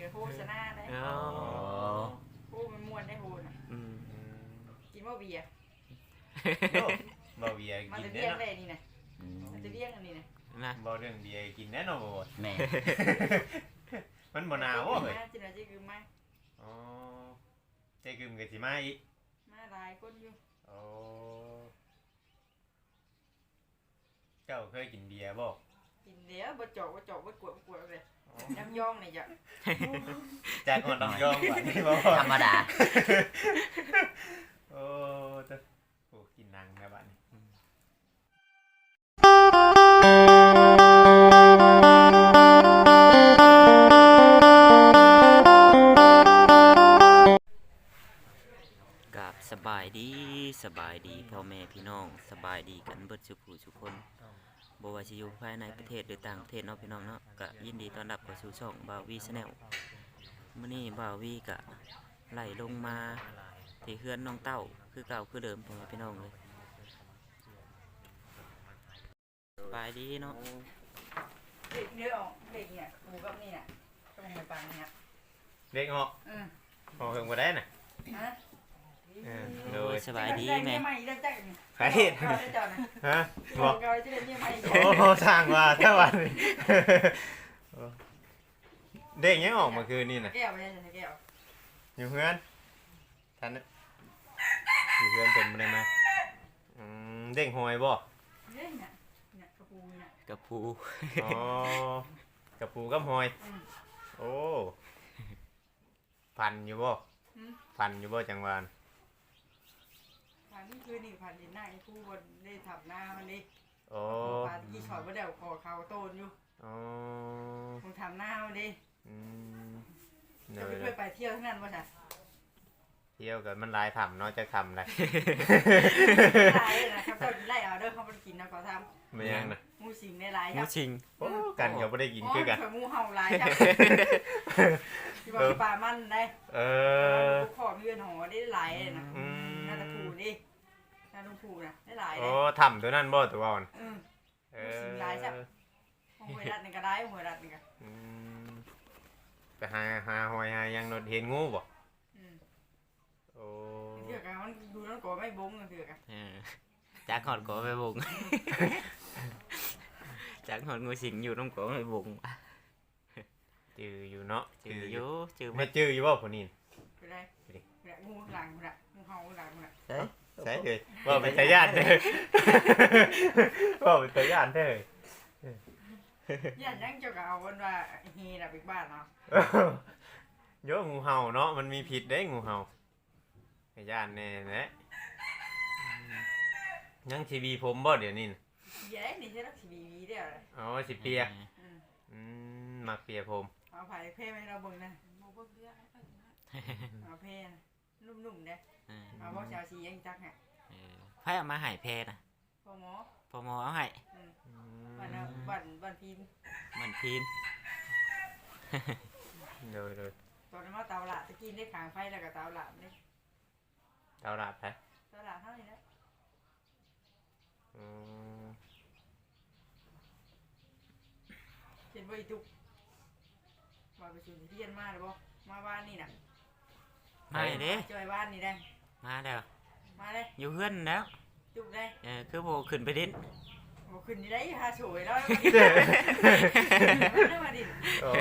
โฆษณาได้โอ้มันม่วนได้โหน่ะกินบ่เบียร์บ่เบียร์มันกิจะนเลี้แน่ยงเนาะได้นี่นะมันจะเลี้ยงอันนี้นะบ่เรื่องเบียร์กินแน่เนาะบ่แม่มันบ่หนาวบ่เฮ้ยจินาจิคือมาอ๋อใจกึมก็สิมาอีกมาหลายคนอยู่โอ้เจ้าเคยกินเบียร์บ่กินเดี๋ยวบ่จอกบ่กวดเลยน้ำย่องนี่จ้ะจากก่อนต้องยอมกว่านี่บ่ธรรมดาโอ้ตะโอ้กินนังนะบัดนี้กับสบายดีพ่อแม่พี่น้องสบายดีกันเบิดสุขทุกคนบ่ว่าสิอยู่ภายในประเทศหรือต่างประเทศเนาะพี่น้องเนาะก็ยินดีต้อนรับเข้าสู่ช่องบ่าววีชาแนลมื้อนี้บ่าววีก็ไล่ลงมาที่เฮือนน้องเต้าคือเก่าคือเดิมพ่อแม่พี่น้องเลยสบายดีเนาะเด็กเนื้อออกเด็กเนี่ยหมูกับนี่น่ะต้องไปปังเนี่ยเด็กเหาะเหาะเฮิงบ่ได้น่ะฮะโดยสบายดีแม่ไม่ได้จักใครเฮ็ดฮะบ่โอ้สร้างว่าแต่วันนี้เด็กยังออกเมื่อคืนนี่น่ะแก้วไม่ใช่แก้วอยู่เฮือนท่านอยู่เฮือนเพิ่นบ่ได้มาเด็กหอยบ่เฮ้ยเนี่ยเนี่ยกระปูเนี่ยกระพูอ๋อกับปูกับหอยโอ้พันอยู่บ่พันอยู่บ่จังหวานผ่านนี่คือนี่ผ่านดินหน้าไอ้ผู้บนได้ทำหน้ามันดิโอ้ผ่านกี่ช็อตว่าเดี๋ยวคอเขาโตนอยู่อ๋อคงทำหน้ามันดิเนจะยไปไปเที่ยวที่นั่นป่ะจ๊ะเที่ยวกันมันหลายทำเนาะจะทำอะไรไล่นะครับเจ้าไล่เอาเด้อเขาไปกินนะเขาทไม่ยังนะำมูสิงได้หลายหมูชิงโอ้กันเขาไม่ได้กินคือกันมูเห่าหลายจ้ะที่บอกปลามันได้ ขอมีเงินหอได้หลายนะน่าจะถูกดิน่าต้องถูกนะได้หลายเลโอ้ยทำตัวนั้นบ่ตัวอ่อนสิงหลายจ้ะหวยรัดนี่ก็ได้หวยรัดนี่ก็ไปหาหอยหายังนดเห็นงูบ่โอ้เถื่อกันมันดูนั่นก็ไม่บงเถื่อกันจากหอดก็ไปบุงจากหอดงูสิงอยู่น้องก็ไปบุงจืออยู่เนาะจืออยู่จือไม่จืออยู่บ่คนนี้ไปได้งูหลังมันงูเห่าหลังมันใช่ใช่เลยว่าเป็นตาญาติเด้อว่าเป็นตาญาติเด้อยันยังเจ้าก็เอาวันว่าเฮน่ะไปบ้านเนาะเยอะงูเห่าเนาะมันมีพิษได้งูเห่าตาญาติแน่แหละยังทีวีผมบ่เดี๋ยวนี้เย้นี่ใช่รักสีบีเดียวเลยอ๋อสิเปียมักเปียผมเอาไผ่เพ่ให้เราเบิ่งนะเอาเพ่นุ่มๆเนี่ยเอาพวกชาวชียังจักฮะไพ่เอามาใหายเพนะพ่อหมอพอมอเอาให้บันพิมมันพีนเลยตอนนั้นว่าเตาละตะกี้ได้ขางไฟแล้วก็เตาละนี่เท่ารับไปเตาละเท่านี้นะเห็นว่าอีตุกมาไปสู่ที่เรียนมาหรือบ่มาบ้านนี่นะมาเด้จอยบ้านนี่ได้มาแล้วมาเลยอยู่เพื่อนแล้วตุกได้คือโบขึ้นไปดิ้นโอ้ขึ้นนี่ได้หาสวยแล้วได้มาดิโอ้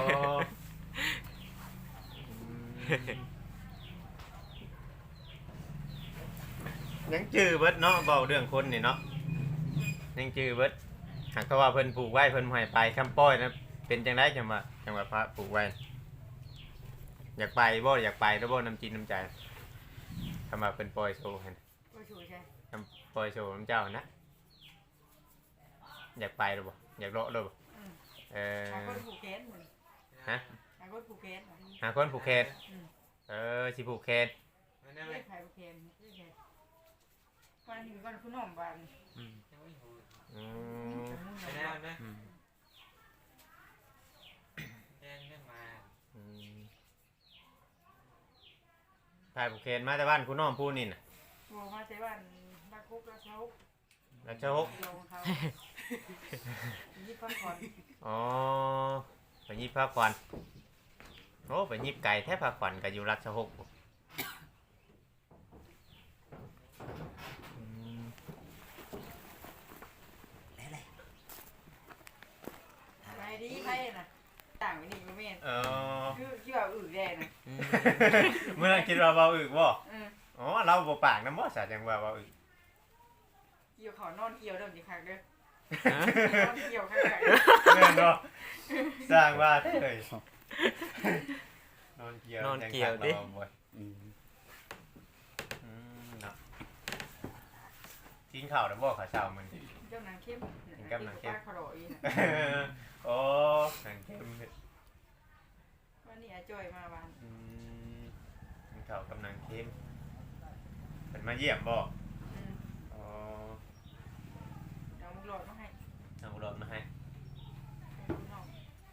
ยังจื้อเบิดเนาะเบาเรื่องคนนี่เนาะยังจื้อเบิดหากเขาว่าเพิ่นปลูกไว้เพิ่นบ่ให้ไปคำป้อยนะเป็นจังไดจังว่าพระปลูกไว้อยากไปบ่อยากไปแล้วบ่น้ำจิตน้ำใจคำว่าเพิ่นปล่อยโซ่หั่นก็สวยใช่ปล่อยโซ่น้ำเจ้านะอยากไปหรือบ่อยากเลาะหรือบ่หาคนผูกแขนหาคนผูกแขนหาคนผูกแขนสิผูกแขนเรียกใครผูกแขนวันนี้วันคุณหอมบานถ่ายผูกแขนมาแต่บ้านคุณน้องพูดนี่น่ะบัวมาแต่บ้านรักคุกรักเช้าแล้วเจ้าลงเขายี่ฟันก่อนอ๋อไปยิบพักก่อนโอ้ไปยิบไก่แทบพาขวัญก็อยู่รัชหกอืมไปดีไปน่ะต่างไปนี่บ่แม่นเออคือที่ว่าอึแดงน่ะเมื่อคิดว่าเบาอึกบ่อืออ๋อเราบ่ปากนำบ่ซะจังว่าเบาอึกเกี่ยวเขานอนเกี่ยวเด้อสิคักเด้อนอนเกี่ยวคักแม่นบ่สร้างว่าเฮ้ยนอนเกี่ยวดิอืมเนาะกินข้าวแล้วบ่ข้าวเช้ามื้อนี้เจ้านางเข้มกำลังเข้มปลาขลอยน่ะโอ้หนังเข้มวันนี้อาจ้อยมาบ้านอืมกินข้าวกำลังเข้มเพิ่นมาเยี่ยมบ่อืมอ๋อเอามุกหลอดมาให้เอารถมาให้ให้ลูกน้อง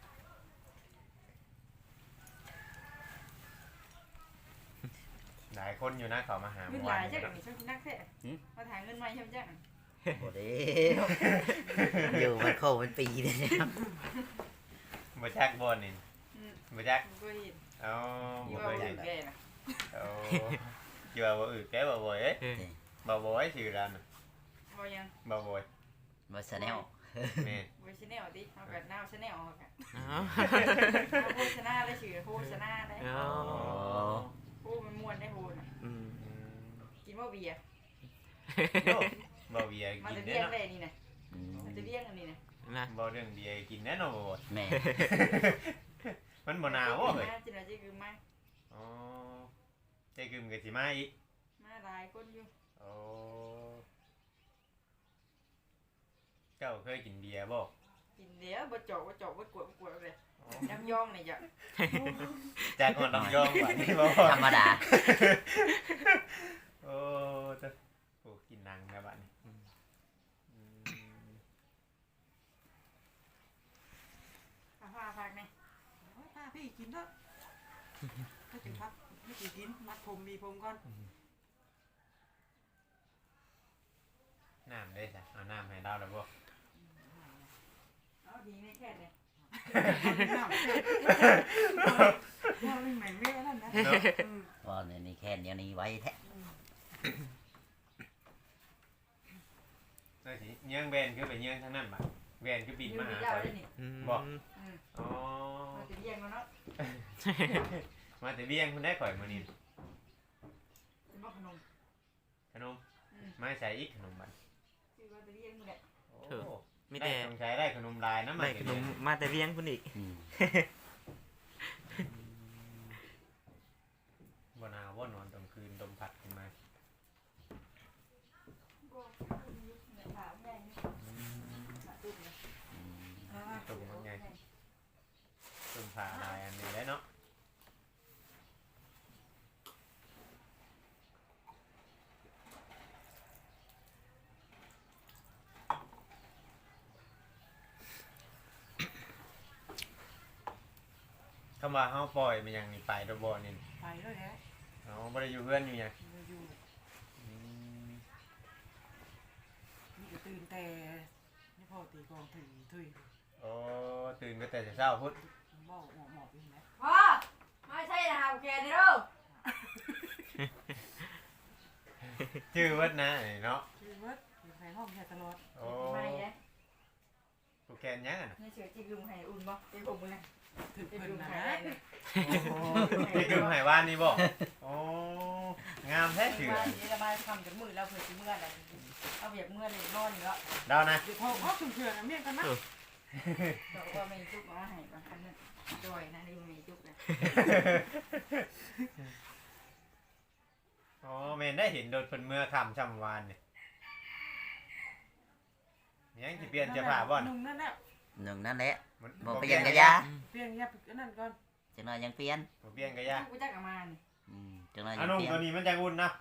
หลายคนอยู่นะเขามาหาเงินเมื่อหวาลาน ยจันี้งนี่ช่างนักแท้มาถ่ายเงินใหม่ใช่มั้ยจังบ่ได้อยู่มันโคมันปีเลยนะครับบ่จักบ่นี่อืมบ่จักบ่เห็นเอาที่บ่ว่าเคยอึเห็นแดงน่ะเอาเกี่ยวบ่อึแกบ่บ่อยเอ้ยบ่บ่อยชื่อร้านน่ะบ่ยังบ่บ่อยบ่ชาแนลแม่บ่ชาแนลติเอากันนาวชาแนลเอากันอ๋อเอาโฆษณาได้ชื่อโฆษณาได้อ๋อโอ้มันม่วนได้โหน่ะอืมกินบ่เบียร์โย่บ่เบียร์มากิจะนเลี้แน่ยงเนาะได้นี่น่ะอืมมาจะเลี้ยงอันนี้น่ะนะบ่เรื่องเบียร์กินแน่เนอนบ่บ่อยแม่มันบ่หนาวบ่เฮ้ยมาจิน่ะจิคือมาอ๋อใจกึมก็สิมาอีกมาหลายคนอยู่โอ้เจ้าเคยกินเบียร์บ่กินเดี๋ยวบ่เจาะบ่กวดเลยน้ำยองนี่จ้ะจากก่อนลำยองหวานนี่บ่ธรรมดาโอ้จะโอ้กินนังนะบ้านนี้อืมผ้าพักนี่ผ้าพี่กินเถอะถ้ากินพักไม่กินมัดผมมีผมก่อนน้ำได้จ้ะเอาน้ำให้เราแล้วบ่เอาดีในแค่เนี่ยเราไม่เหม็นไม่นั่นนะเนาะว่าเนี่ยนี่แค่เดียวนี้ไว้แท้ได้สิเยื่องแบนคือไปเยื่องทางนั้นบ่แบนคือบินมาหาเจ้าเขาได้นี่อืมอ๋อมาจะเลี้ยงแล้วเนาะมาแต่เบี้ยงคุณได้ข่อยมื้อนี้เป็นบ่ขนมขนมมาใส่อีกขนมบัดคือว่าจะเลี้ยงนี่แหละโอ้มีได้แต่ต้องใช้ได้ขนมลายนะได้ขนมมาแต่เลี้ยงพุ่นอีกอืมบ่หนาวบ่นอนตอนคืนลมพัดขึ้นมาก็เนี่ยถามใหญ่นี่ตุ้มนะอืมตุ่มมันไงตุ่มผ่าลายอันนี้ได้เนาะคำว่าเฮาปล่อยมันยังนี่ไปตัวบ่นี่ไปแล้วแหละเฮาบ่ได้อยู่เพื่อนอยู่หยังอยู่อืมนี่ก็ตื่นแต่นี่พอตีกองถึงถุยโอ้ตื่นก็แต่เช้าพุธบ่หมอบอยู่นะพ่อไม่ใช่นะฮะแกนี่เด้อชื่อวัดนะนี่เนาะคือว่าอยู่ในห้องแค่ตลอดโอ้ไม่นะกูแกนยังอ่ะนะนี่เสือจิกลุงให้อุ่นบ่เป็นผมเลยถึงเป็นลุงให้โอ้นี่คือไหว่านนี่บ่โอ้งามแท้ชื่อบ้านนี้ระบายทำจากมือแล้วเผื่อสิเมื่ออะไรเอาเบียกเมื่อเลยนอนอยู่แล้วดาวนะเดี๋ยวพอถึงเผื่อนะเมียกันนะบอกว่าไม่จุกมาให้บางคันนั้นจอยนะนี่ไม่จุกเลยอ๋อแม่นได้เห็นโดดเพิ่นเมื่อค่ำช่ำวานนี่ยังสิเปลี่ยนเสื้อผ้าบ่น่ะนุ่งนั่นแหละหนึ่งนั่นแหละมันบ่เปลี่ยนกะยาเปลี่ยนยาปิดนั่นก่อนจังหน่อยยังเปลี่ยนบ่เปลี่ยนกะยากูจักกับมันอืมจังหน่อยอัยันงนุ่มเปลี่ยนตัวนี้มันจะอุ่นนะ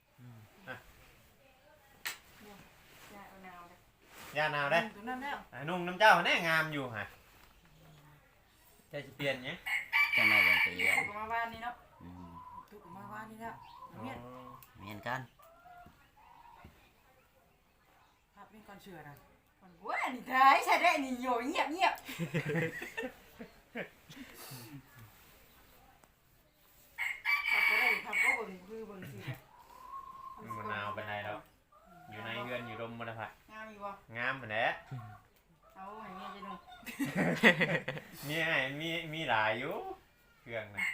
ยาเอานาวเลยยาหนาวได้ตัวนั้นแล้วอันนุ่มน้ำเจ้าแน่งามอยู่ฮะจะสิเปลี่ยนหยังจังหน่อยยังเปลี่ยนถูกมาบ้านนี่เนาะอืมถูกมาบ้านนี่แล้วอ๋อเมียเหมือนกันภาพเป็นก่อนเชื่อนะคนกูนี่ท้ายใช่ได้นี่โยเงียบมีไอ้มีหลายอยู่เครื่องนะ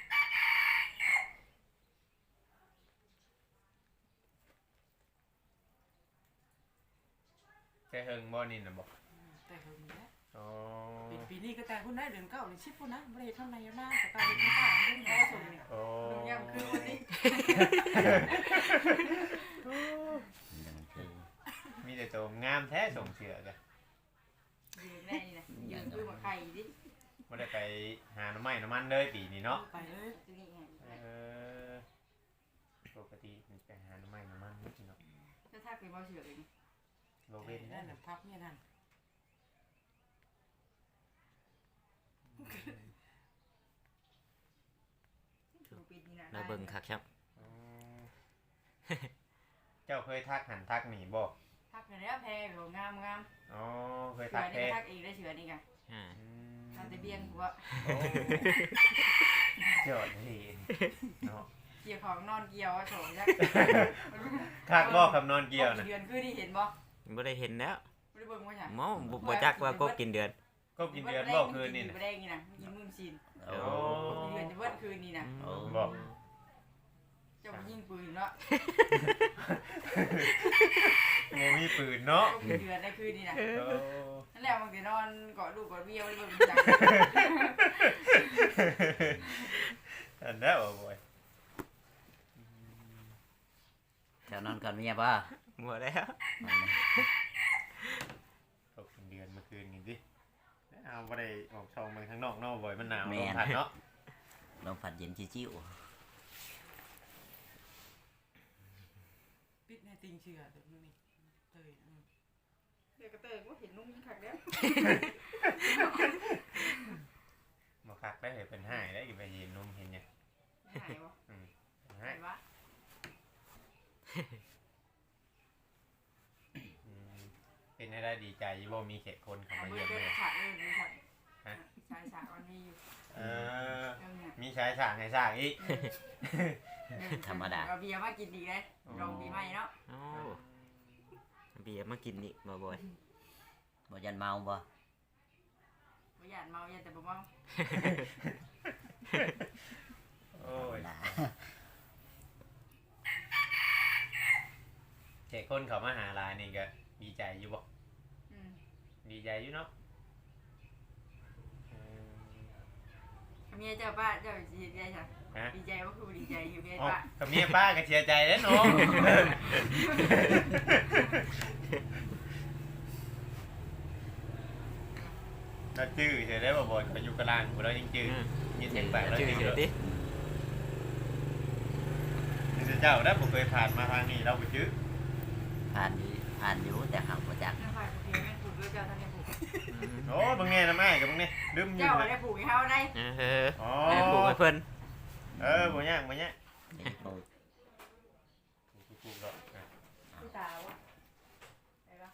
ใช่เฮิงบ่นี่นะบอกแต่เฮิงนะอ๋อปีนี้ก็แต่คุณได้เดือนเก้าหรือชิปคุณนะบริเวณข้างในหน้าแต่ตาเห็นข้างล่างไม่ได้ส่งเนี่ยโอ้ลุงยำคือวันนี้มันคือมีแต่ตัวงามแท้ส่งเสือกันยืนแน่นี่นะยืนคือมาไข่ดิไม่ได้ไปหาหน้ำไม้น้ำมันเลยปีนี้เนาะไปเลยตัวนี้ไงปกติมันไปหาหน้ำไม้น้ำมันนี่เนาะจะทักไปบ่เฉื่อยเลยโลเว้นนั่นแหละพับเนี่ยนั่นปีนี้นะเราเบิ่งคักครับอ๋อเจ้าเคยทักหันทักหนีบ่ทักไปแล้วแพ้โหงามงามอ๋อเคยเฉื่ทัอก ยแท้นี่ทักเองได้เฉื่อยนี่ไงอ่าทำแต่เบี้ยงหัวโอ้ยอดเลยเนาะเกี่ยวของนอนเกี่ยวโฉมยักทักบ่คำนอนเกี่ยวนะเดือนคือที่เห็นบ่บ่ได้เห็นแล้วไม่ได้เบิ่งว่าจ้ะหมอบ่จักว่าก็กินเดือนก็กินเดือนบ่คืนนี่นะไม่ได้งี้นะกินมื้อซีนโอ้เดือนจะเบิดคืนนี่นะโอ้บอกเจ้ายิงปืนเนาะโมมีปืนเนาะเดือนได้คืนนี่นะโอ้นั่นแหละบางทีนอนกอดลูกกอดเบี้ยวไม่ได้เบิ่งจังอันนั้นบ่บ่อยแถวนอนก่อนเมียป่ะหมดแล้วก็กินเดือนเมื่อคืนนี่ดิเอาบ่ได้ออกช่องมันข้างนอกเนาะบ่อยมันหนาวลมพัดเนาะลมผัดเย็นจิ้วปิดในติงเชื่อเดี๋ยวนี้เตยเดี๋ยวก็เตยก็เห็นนุ่งยิงขักแล้วมาคักได้เห็นเป็นห้ายได้อีกไปยืนนุ่มเห็นยังหายวะเป็นหาห้ายยวะเป็นให้ได้ดีใจบ่มีเขตคนเข้ามาเบิเยี่ยมดเลยฉากเลยมีฉากชายฉากมันมีอยู่เออเรื่องเนี่ยมีชายฉากให้ฉากอีกเอาเบียร์มากินดีเลยลองปีใหม่เนาะโอ้เบียร์มากินนี่บ่บ่อยๆบ่ยันเมาบ่ไม่อยากเมาอยากแต่บ่เมาโอ้ยด่าเขตคนเขามาหาลายนี่ก็ดีใจอยู่บ่อืมดีใจอยู่เนาะเมียเจ้าป้าเจ้าดีใจใช่ฮะดีใจว่าคือดีใจอยู่เมียอ๋อป้ากับเมียป้าก็เสียใจแล้วเนาะ เราจื้อเฉยได้บ่บ่อยเขาอยู่กลางกูเรายังจื้อยินเสียงแปลกเราชื่อจื้อเฉยดินี่เจ้าได้ผมเคยผ่านมาทางนี้เราไปจื้อผ่านอยู่แต่หักบ่จักน้าฝ่ายผูกเพียงแม่ผูกด้วยเจ้าท่านได้ผูกโอ้บางแง่นะแม่กับบางแง่ลืมอยู่เจ้าเลยได้ผูกให้เขาได้เอออ๋อปลูกให้เพิ่นบ่ยากบ่ยากนี่ปลูกถูกๆแล้วอ่ะผู้ตาวะไปปะ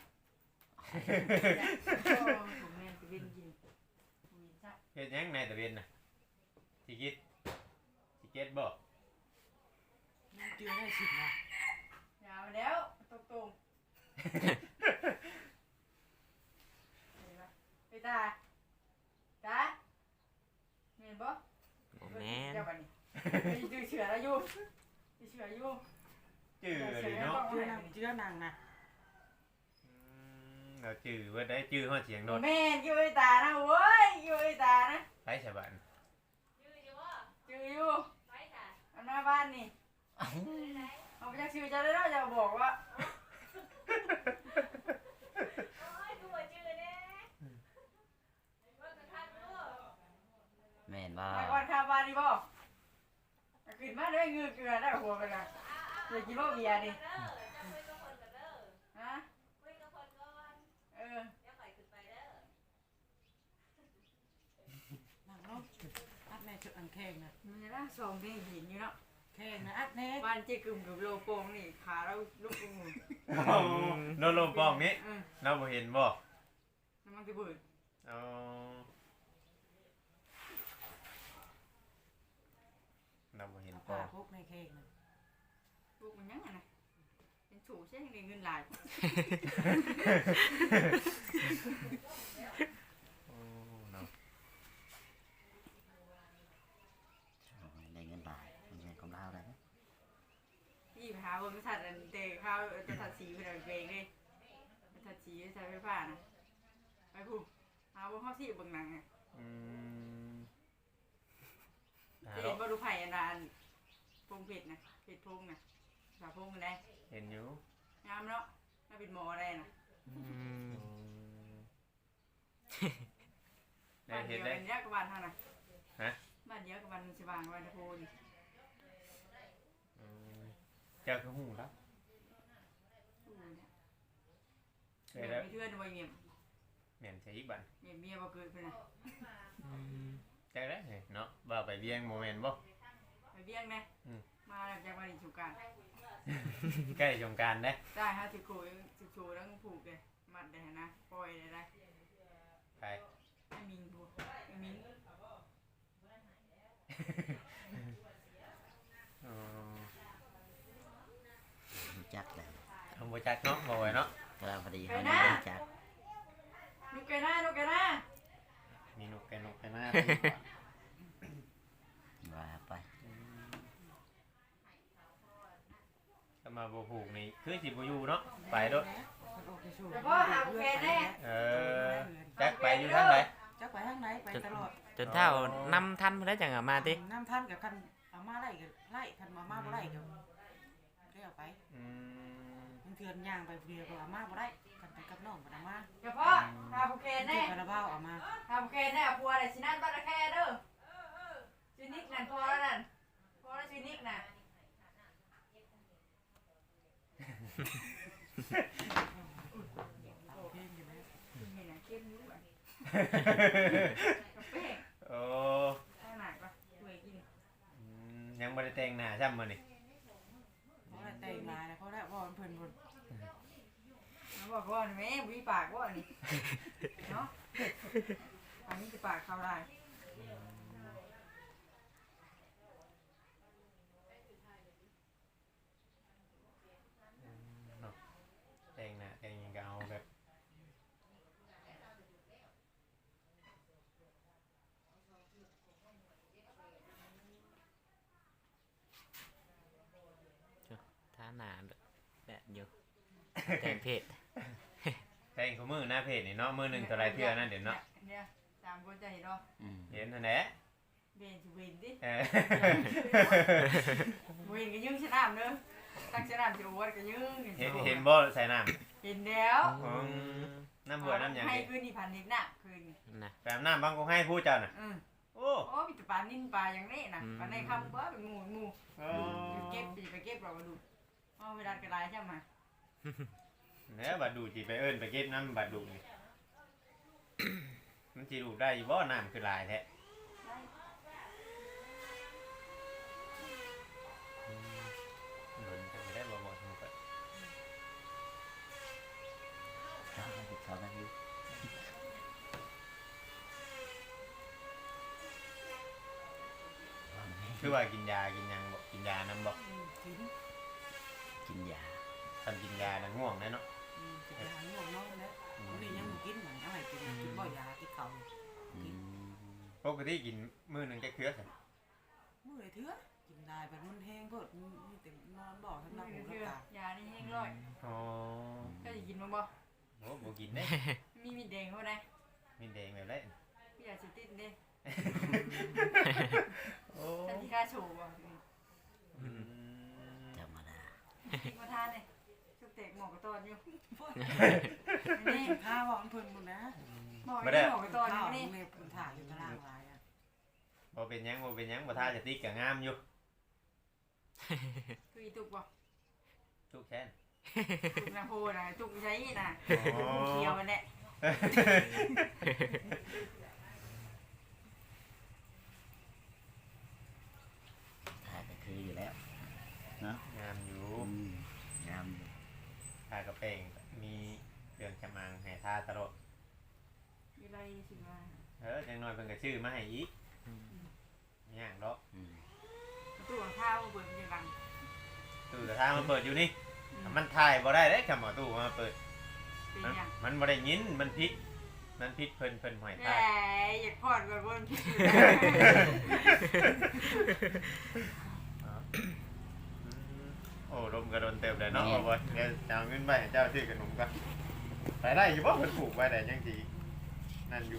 ผมแม่จะเป็นกินผูกจ้ะเฮ็ดหยังในตะเวนน่ะสิคิดสิเก็ตบ่เจือได้สิบนะยาวแล้วตรงไปตาตาเห็นบ่บ่แม่นเจ้าบัดนี้ดูเฉื่อแล้วอยู่ดูเฉื่ออยู่จื้อเลยเนาะเจือนางนะเราจื้อว่าได้จื้อฮอดเสียงโดนแม่อยู่ไอ้ตานะเว้ยอยู่ไอ้ตานะไปฉบันจืออยู่อันหน้าบ้านนี่เอาไปจากชื่อจะได้แล้วจะบอกว่าแม่นบ่ไปก่อนข้าวบ้านนี่บ่ขึ้นมาด้วยเงือเกลือได้หัวไปละเดี๋ยวกินบ่เบียร์ดิฮะเออนั่งเนาะอัดแม่ชุดอันแข้งนะมันจะน่าส่งที่หินอยู่เนาะแข้งนะอัดแน่บ้านเจ๊กึ่มกับโลโปงนี่ขาเราลูกกึ่มโดนลมปองนี้เราบ่เห็นบ่มันจะเบิดอ๋อเราบ่เห็นปอผ้าง พกในแข้งนะลูกมันยังไงนะเป็นฉูใช่ยังไงเงินหลายโอ้เนาะกี้ไปหาเบิ่งสัตว์อันเตะข้าวจะถัดสีเพิ่นเอาเองเลยถัดสีใช้ไฟฟ้านะไปพูหาเบิ่งข้าวสีเบิ่งหนังอ่ะ เห็นบ่ดูไผ่อันนั้นพงเผ็ดนะเผ็ดพงนะสาพงได้เห็นอยู่งามเนาะน่าเป็นหมอได้นะได้บ้านเห็เดีนยวได้กันเนี้ยกับบ้านเท่าน่ะฮะบ้านเดียวกับบ้านสว่างบ้านตะโพนี่เจ้าคือหูแล้วอู้เนี่ยเคยแล้วมีเพื่อนบ่เงียบเหม็นใช่อีกบันเงียบเมียบ่เกิดเพิ่นน่ะเจ้าได้เนาะว่าไปเวียงโมเมนต์บ่ไปเบี้ยงนะมาจากบ้านสุการใกล้สงกรารได้ได้ฮะสิโคแล้วผูกเลยมัดได้นะปล่อยได้ไปไม่มิงบัวไม่มิงรู้จักเลยทำโปรจักเนาะบ่ไหวเนาะกำลังพอดีเขาไม่รู้จักลูกแกหน้าลูกแกหน้ามีนกแกนกแกหน้าว่าไปถ้ามาบ่ผูกนี่คือสิบ่อยู่เนาะไปเด้อแต่พ่อหาแกแน่จักไปอยู่ทางไหนจักไปทางไหนไปตลอดจนเท่านำทันเพิ่นได้จังมาติน้ำท่านกับคันเอามาไล่กับไล่คันมาบ่ไล่กับได้เอาไปมันเถื่อนย่างไปเดียวก็เอามาบ่ได้กันไปกับน้องบ่ได้มาแต่พ่อหาแกแน่คาราบาวเอามาหาแกแน่พัวอะไรสินั่นบ้านแค่เด้อชินิกนั่นพอแล้วนั่นพอแล้วชินิกน่ะเพลงอยู่ไหมนี่น่ะเข้มอยู่อ่ะกาแฟโอ้ข้างหน้าก็ช่วยกินยังบ่ได้แต่งหน้าซ้ำมื้อนี่เขาได้แต่งมาแล้วเขาได้ว่าเพิ่นเขาบอกว่าแม่วิปากว่านี่เนาะอันนี้จะปากเขาได้แต่งหน้าแต่งหยังก็เอาแบบท่าหน้าแบบอยู่แต่งเพศแต่งคู่มือหน้าเพจนี่เนาะมือหนึงเท่าไหร่เทื่อนั่นเดี๋ยวเนาะเนี่ยสามคนจะเห็นเนาะเห็นเท่านั้นเบนจะเวนดิเออเวนก็ยืงชนะเนอะตั้งชนะจะอวดก็ยืงเห็นบ่ใส่น้เห็นแล้วำน้ำบัวน้ำหยังให้นี่คืนนี่พันนิดน่ะคืนนะแปมน้ำบางกูให้ผู้เจ้าน่ะ โอ้โอ้มีแต่ปลานิ่นปลาอย่างนี้นะปลาในคำว่าเป็นหมูเก็บไปเก็บเราดูเอาเวลากระไรใช่ไหมเนี่ยบัดดูสิไปเอิ้นไปเก็บน้ำบัดดูนี่ มันสิดูได้อยู่บ่น้ำคือหลายแท้หนุนกันไม่ได้บ่บ่ถูกกันเขาได้อยู่คือว่ากินยากินหยังบ่กินยานํบ่กินกินยาคันกินยาน่ะง่วงแน่เนาะจะไปหาง่วงนอนแล้วนี่ยังกินเหมือนเอาให้กินกินบ่อยากินเขาปกติกินมื้อหนึงจักเทื่อซั่นมื้อไหนเถื่อกินได้แบบมันแห้งเพิ่นมีแต่นอนบ่ทั้งหน้าหูคืทั้งอตายานี่แห้งร้อยอ๋อก็จะกินมั้งบ่โอ้บ่กินเด้มีมีแดงเขาได้มีแดงแบบไรพี่อยากสิติดเด้โอ้ทันทีค่าโชว์บ่ธรรมดามาทานเลยชุบเตกหมอกกระตอนอยู่นี่ข้าวบอกเพิ่นหมดนะหมอกไม่หมอกกระตอนข้าวนี่เล็บมันถ่ายอยู่ตารางลายอ่ะบ่เป็นหยังบ่เป็นหยังบ่ท่าจะติ๊กก็งามอยู่คืออีตุกบ่ทุกแค่นตุกนาโพนะตุกใช้น่ะเขียวมันแหละถ่ายก็คืออยู่แล้วงามอยู่งามอยู่ทากระเปงมีเรื่องจำมังให้ท่าตลอดมีอะไรสิมาจังน้อยเพิ่นก็ชื่อมาให้อีกย่างดอกตู้ของข้าวเปิดมันจะดังตู้กระทามันเปิดอยู่นี่มันถ่ายบ่ได้เด้คำว่าตู้มาเปิดเป็นยังมันบ่ได้ยินมันพิษมันพิษเพิ่นหอยแหมท่าอยากพอดกับคนคิดอยู่โอ้ลมเติมได้เนาะบ่บ่เดี๋ยวจะเอาเงินไปให้เจ้าซื้อขนมกันไปได้อยู่บ่เพิ่นปลูกไว้ได้จังซี่นั่นอยู่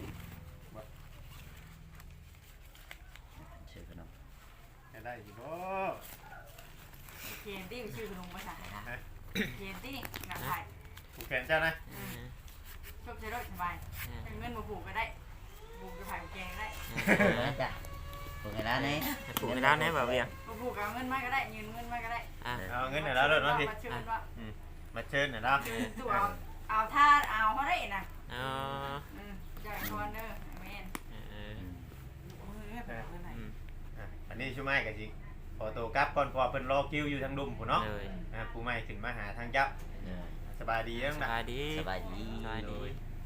ชื่อขนมไปได้อยู่บ่เขียนที่ชื่อขนมภาษาเขียนที่หนังไทยปลูกแขนเจ้านะชอบใช้รถสบายเงินมาผูกก็ได้ผูกจะผ่านแกงได้จ้ะปลูกให้ร้านนี้ปลูกให้แล้วแน่บ่เวียงมาผูกเอาเงินมาก็ได้ยืมเงินมาก็ได้อ่ะเอาเงินให้แล้วเด้อเนาะพี่มาชื่อว่ามาเชิญหน่อยเนาะตัวเอาท่าเอาเขาได้นะอ๋อจ่ายคอนเนอร์แมนเออมือเนี่ยไปเอาเงินไหนอืมอันนี้ชูไม้ก็สิขอตัวกลับก่อนเพอเพิ่นรอคิวอยู่ทางดุมพุ่นเนาะเลยผู้ใหม่ขึ้นมาหาทางเจ้าสบายดีเด้อสนะบายดีสบายดีสบายดีโ